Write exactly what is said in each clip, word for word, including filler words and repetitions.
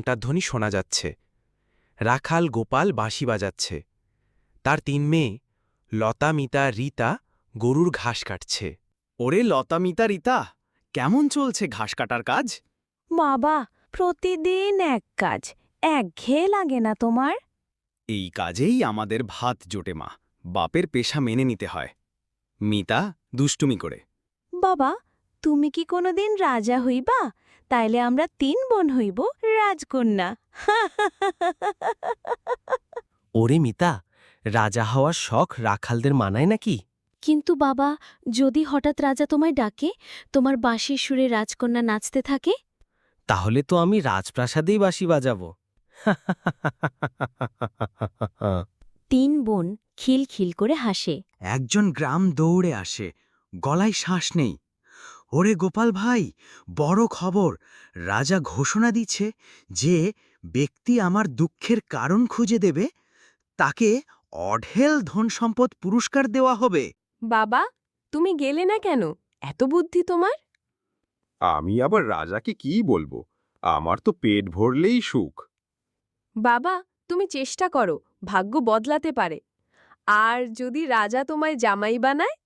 ঘণ্টার ধ্বনি শোনা যাচ্ছে। রাখাল গোপাল বাঁশি বাজাচ্ছে। তার তিন মেয়ে লতা, মিতা, রীতা গরুর ঘাস কাটছে। ওরে লতা, মিতা, রীতা, কেমন চলছে ঘাস কাটার কাজ? বাবা, প্রতিদিন এক কাজ, একঘেয়ে লাগে না তোমার? এই কাজেই আমাদের ভাত জোটে মা। বাপের পেশা মেনে নিতে হয়। মিতা দুষ্টুমি করে। বাবা, তুমি কি কোনোদিন রাজা হইবা? তাইলে আমরা তিন বোন হইব রাজকন্যা। ওরে মিতা, রাজা হওয়ার শখ রাখালদের মানায় নাকি? কিন্তু বাবা, যদি হঠাৎ রাজা তোমায় ডাকে, তোমার বাঁশির সুরে রাজকন্যা নাচতে থাকে? তাহলে তো আমি রাজপ্রাসাদেই বাঁশি বাজাবো। তিন বোন খিলখিল করে হাসে। একজন গ্রাম দৌড়ে আসে, গলায় শ্বাস নেই। ওরে গোপাল ভাই, বড় খবর! রাজা ঘোষণা দিচ্ছে যে ব্যক্তি আমার দুঃখের কারণ খুঁজে দেবে তাকে অঢেল ধনসম্পদ পুরস্কার দেওয়া হবে। বাবা, তুমি গেলে না কেন? এত বুদ্ধি তোমার? আমি আবার রাজাকে কি বলবো? আমার তো পেট ভরলেই সুখ। বাবা, তুমি চেষ্টা করো, ভাগ্য বদলাতে পারে। আর যদি রাজা তোমায় জামাই বানায়?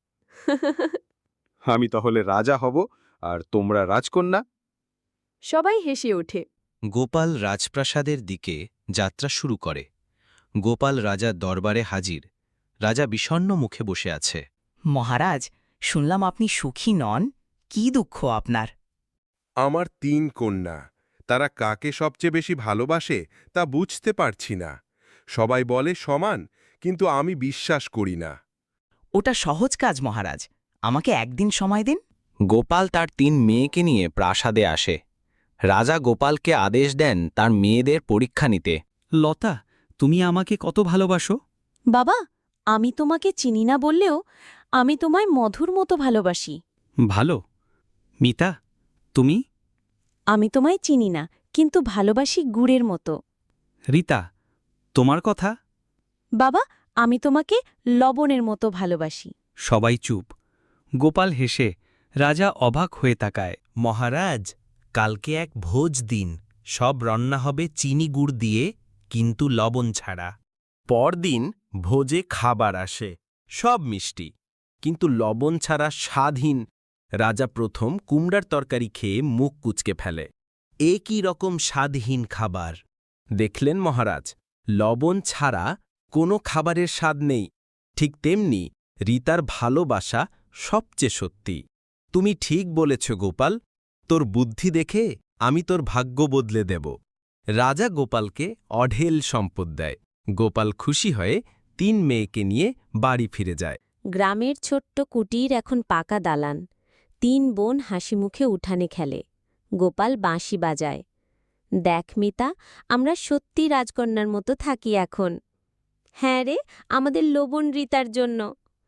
আমি তাহলে রাজা হব আর তোমরা রাজকন্যা। সবাই হেসে ওঠে। গোপাল রাজপ্রাসাদের দিকে যাত্রা শুরু করে। গোপাল রাজার দরবারে হাজির। রাজা বিষণ্ণ মুখে বসে আছে। মহারাজ, শুনলাম আপনি সুখী নন। কি দুঃখ আপনার? আমার তিন কন্যা, তারা কাকে সবচেয়ে বেশি ভালোবাসে তা বুঝতে পারছি না। সবাই বলে সমান, কিন্তু আমি বিশ্বাস করি না। ওটা সহজ কাজ মহারাজ, আমাকে একদিন সময় দিন। গোপাল তার তিন মেয়েকে নিয়ে প্রাসাদে আসে। রাজা গোপালকে আদেশ দেন তার মেয়েদের পরীক্ষা নিতে। লতা, তুমি আমাকে কত ভালোবাসো? বাবা, আমি তোমাকে চিনি না বললেও আমি তোমায় মধুর মতো ভালোবাসি। ভালো। মিতা, তুমি? আমি তোমায় চিনি না, কিন্তু ভালোবাসি গুড়ের মতো। রীতা, তোমার কথা? বাবা, আমি তোমাকে লবণের মতো ভালোবাসি। সবাই চুপ। গোপাল হেসে রাজা অবাক হয়ে তাকায়। মহারাজ, কালকে এক ভোজ দিন। সব রান্না হবে চিনি গুড় দিয়ে, কিন্তু লবণ ছাড়া। পরদিন ভোজে খাবার আসে, সব মিষ্টি, কিন্তু লবণ ছাড়া স্বাদহীন। রাজা প্রথম কুমড়ার তরকারি খেয়ে মুখ কুঁচকে ফেলে। এ কি রকম স্বাদহীন খাবার! দেখলেন মহারাজ, লবণ ছাড়া কোনো খাবারের স্বাদ নেই। ঠিক তেমনি রীতার ভালোবাসা সবচেয়ে সত্যি। তুমি ঠিক বলেছ গোপাল, তোর বুদ্ধি দেখে আমি তোর ভাগ্য বদলে দেব। রাজা গোপালকে অঢেল সম্পদ দেয়। গোপাল খুশি হয়ে তিন মেয়েকে নিয়ে বাড়ি ফিরে যায়। গ্রামের ছোট্ট কুটির এখন পাকা দালান। তিন বোন হাসি মুখে উঠানে খেলে। গোপাল বাঁশি বাজায়। দেখ মিতা, আমরা সত্যি রাজকন্যার মতো থাকি এখন। হ্যাঁ রে, আমাদের লবণ রীতার জন্য।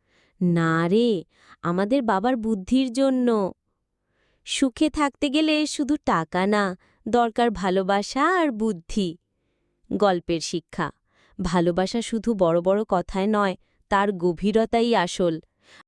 না রে, আমাদের বাবার বুদ্ধির জন্য। সুখে থাকতে গেলে শুধু টাকা না, দরকার ভালোবাসা আর বুদ্ধি। গল্পের শিক্ষা: ভালোবাসা শুধু বড় বড় কথায় নয়, তার গভীরতাই আসল।